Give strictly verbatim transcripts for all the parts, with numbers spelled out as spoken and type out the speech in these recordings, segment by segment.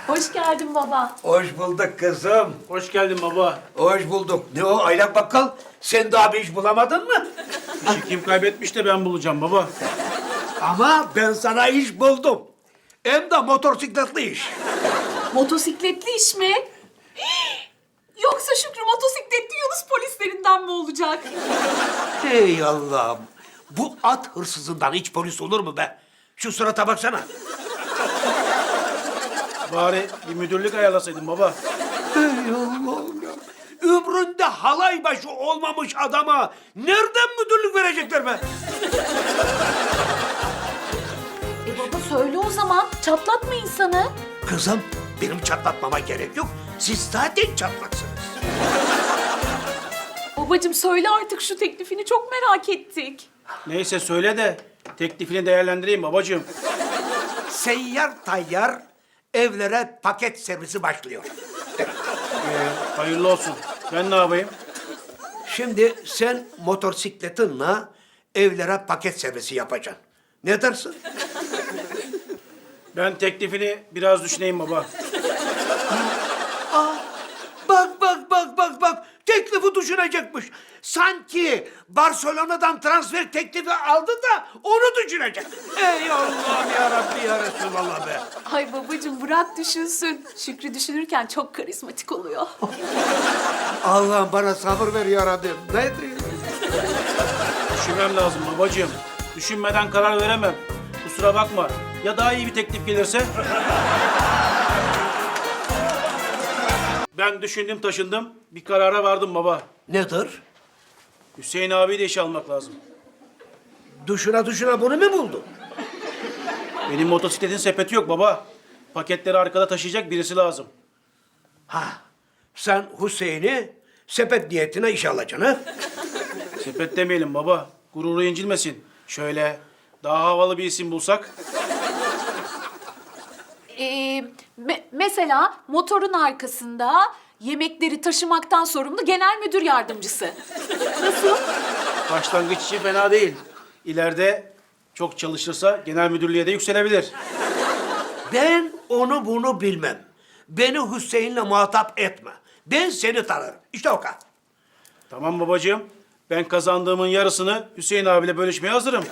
Hoş geldin baba. Hoş bulduk kızım. Hoş geldin baba. Hoş bulduk. Ne o aylak bakkal? Sen daha bir iş bulamadın mı? İşi kim kaybetmiş de ben bulacağım baba. Ama ben sana iş buldum. Hem de motosikletli iş. Motosikletli iş mi? Yoksa Şükrü motosikletli Yunus polislerinden mi olacak? Hey Allah'ım. Bu at hırsızından hiç polis olur mu be? Şu surata baksana. Bari bir müdürlük ayarlasaydın baba. Hey Allah'ım ya. Ömründe halay başı olmamış adama nereden müdürlük verecekler be? E baba söyle o zaman. Çatlatma insanı. Kızım, benim çatlatmama gerek yok. Siz zaten çatlaksınız. Babacığım söyle artık şu teklifini, çok merak ettik. Neyse söyle de teklifini değerlendireyim babacığım. Seyyar tayyar evlere paket servisi başlıyor. Ee, hayırlı olsun. Ben ne yapayım? Şimdi sen motosikletinle evlere paket servisi yapacaksın. Ne dersin? Ben teklifini biraz düşüneyim baba. Bak bak bak bak bak. Teklifi düşünecekmiş. Sanki Barcelona'dan transfer teklifi aldı da onu düşünecek. Ey Allah'ım ya Rabbi ya Resulallah be. Ay babacığım bırak düşünsün. Şükrü düşünürken çok karizmatik oluyor. Allah'ım bana sabır ver ya Rabbim. Ne diyeyim? Düşünmem lazım babacığım. Düşünmeden karar veremem. Kusura bakma. Ya daha iyi bir teklif gelirse? Ben düşündüm taşındım. Bir karara vardım baba. Nedir? Hüseyin abiyi de işe almak lazım. Düşüne düşüne bunu mu buldun? Benim motosikletin sepeti yok baba. Paketleri arkada taşıyacak birisi lazım. Ha, sen Hüseyin'i sepet niyetine işe alacaksın ha? Sepet demeyelim baba. Gururu incilmesin. Şöyle daha havalı bir isim bulsak. Ee, me- mesela motorun arkasında yemekleri taşımaktan sorumlu genel müdür yardımcısı. Nasıl? Başlangıç için fena değil. İleride çok çalışırsa genel müdürlüğe de yükselebilir. Ben onu bunu bilmem. Beni Hüseyin'le muhatap etme. Ben seni tanırım. İşte o kadar. Tamam babacığım. Ben kazandığımın yarısını Hüseyin abiyle bölüşmeye hazırım.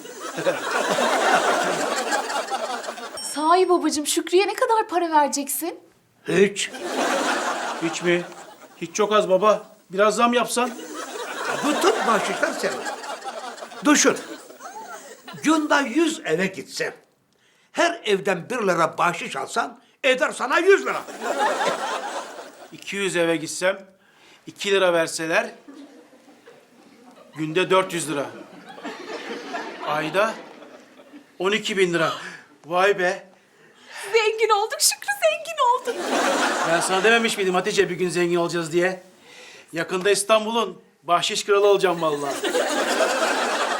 Sahi babacığım Şükrü'ye ne kadar para vereceksin? Hiç. Hiç mi? Hiç çok az baba. Biraz zam yapsan. Bütün bahşişler senin. Düşün. Günde yüz eve gitsen, her evden bir lira bahşiş alsan, eder sana yüz lira. iki yüz eve gitsem, iki lira verseler, günde dört yüz lira. Ayda on iki bin lira. Vay be. Zengin olduk Şükrü, zengin olduk. Ben sana dememiş miydim Hatice bir gün zengin olacağız diye? Yakında İstanbul'un bahşiş kralı olacağım vallahi.